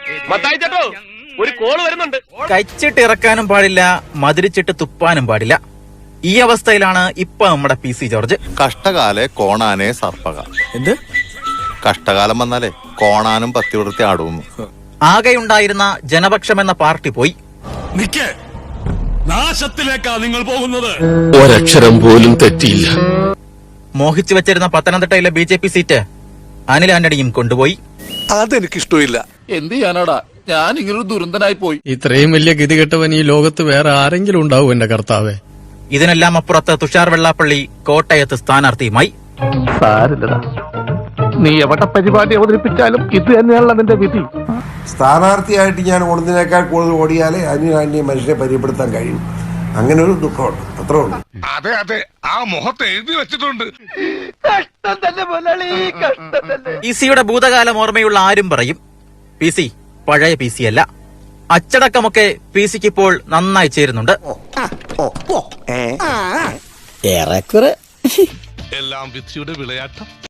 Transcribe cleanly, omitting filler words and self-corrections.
മത്തായി ചേട്ടോ, ഒരു കോള് വരുന്നുണ്ട്. കഴിച്ചിട്ട് ഇറക്കാനും പാടില്ല, മധുരിച്ചിട്ട് തുപ്പാനും പാടില്ല. ഈ അവസ്ഥയിലാണ് ഇപ്പൊ നമ്മുടെ PC ജോർജ്. കഷ്ടകാലെ കോണാനെ സർപ്പക. എന്ത് കഷ്ടകാലം വന്നാലേ കോണാനും പത്തി വിടർത്തി ആടുന്നു. ആകെയുണ്ടായിരുന്ന ജനപക്ഷം എന്ന പാർട്ടി പോയി. നാശത്തിലേക്കാ നിങ്ങൾ പോകുന്നത്. ഒരക്ഷരം പോലും തെറ്റിയില്ല. മോഹിച്ചു വെച്ചിരുന്ന പത്തനംതിട്ടയിലെ BJP സീറ്റ് അനിൽ ആന്റണിയും കൊണ്ടുപോയി. അതെനിക്കിഷ്ടമില്ല. എന്ത് ചെയ്യാനാടാ, ഞാൻ ഇങ്ങനൊരു ദുരന്തനായി പോയി. ഇത്രയും വലിയ ഗതികെട്ടവൻ ഈ ലോകത്ത് വേറെ ആരെങ്കിലും ഉണ്ടാവും എന്റെ കർത്താവേ. ഇതിനെല്ലാം അപ്പുറത്ത് തുഷാർ വെള്ളാപ്പള്ളി കോട്ടയത്ത് സ്ഥാനാർത്ഥിയുമായി. സാരില്ലടാ, നീ എവിടെ പരിപാടി അവതരിപ്പിച്ചാലും ഇത് തന്നെയാണല്ലോ അതിന്റെ വിധി. സ്ഥാനാർത്ഥിയായിട്ട് ഞാൻ ഓടുന്നതിനേക്കാൾ കൂടുതൽ ഓടിയാലേ അതിന് മനുഷ്യനെ പരിചയപ്പെടുത്താൻ കഴിയും. അങ്ങനെ ഒരു ദുഃഖമുണ്ട്, അത്രേ ഉള്ളൂ. അതെ അതെ, ആ മുഖത്ത് എഴുതി വെച്ചിട്ടുണ്ട്. PC-യുടെ ഭൂതകാലം ഓർമ്മയുള്ള ആരും പറയും PC പഴയ PC അല്ല. അച്ചടക്കമൊക്കെ PC-ക്ക് ഇപ്പോൾ നന്നായി ചേരുന്നുണ്ട്. എല്ലാം വിധിയുടെ വിളയാട്ടം.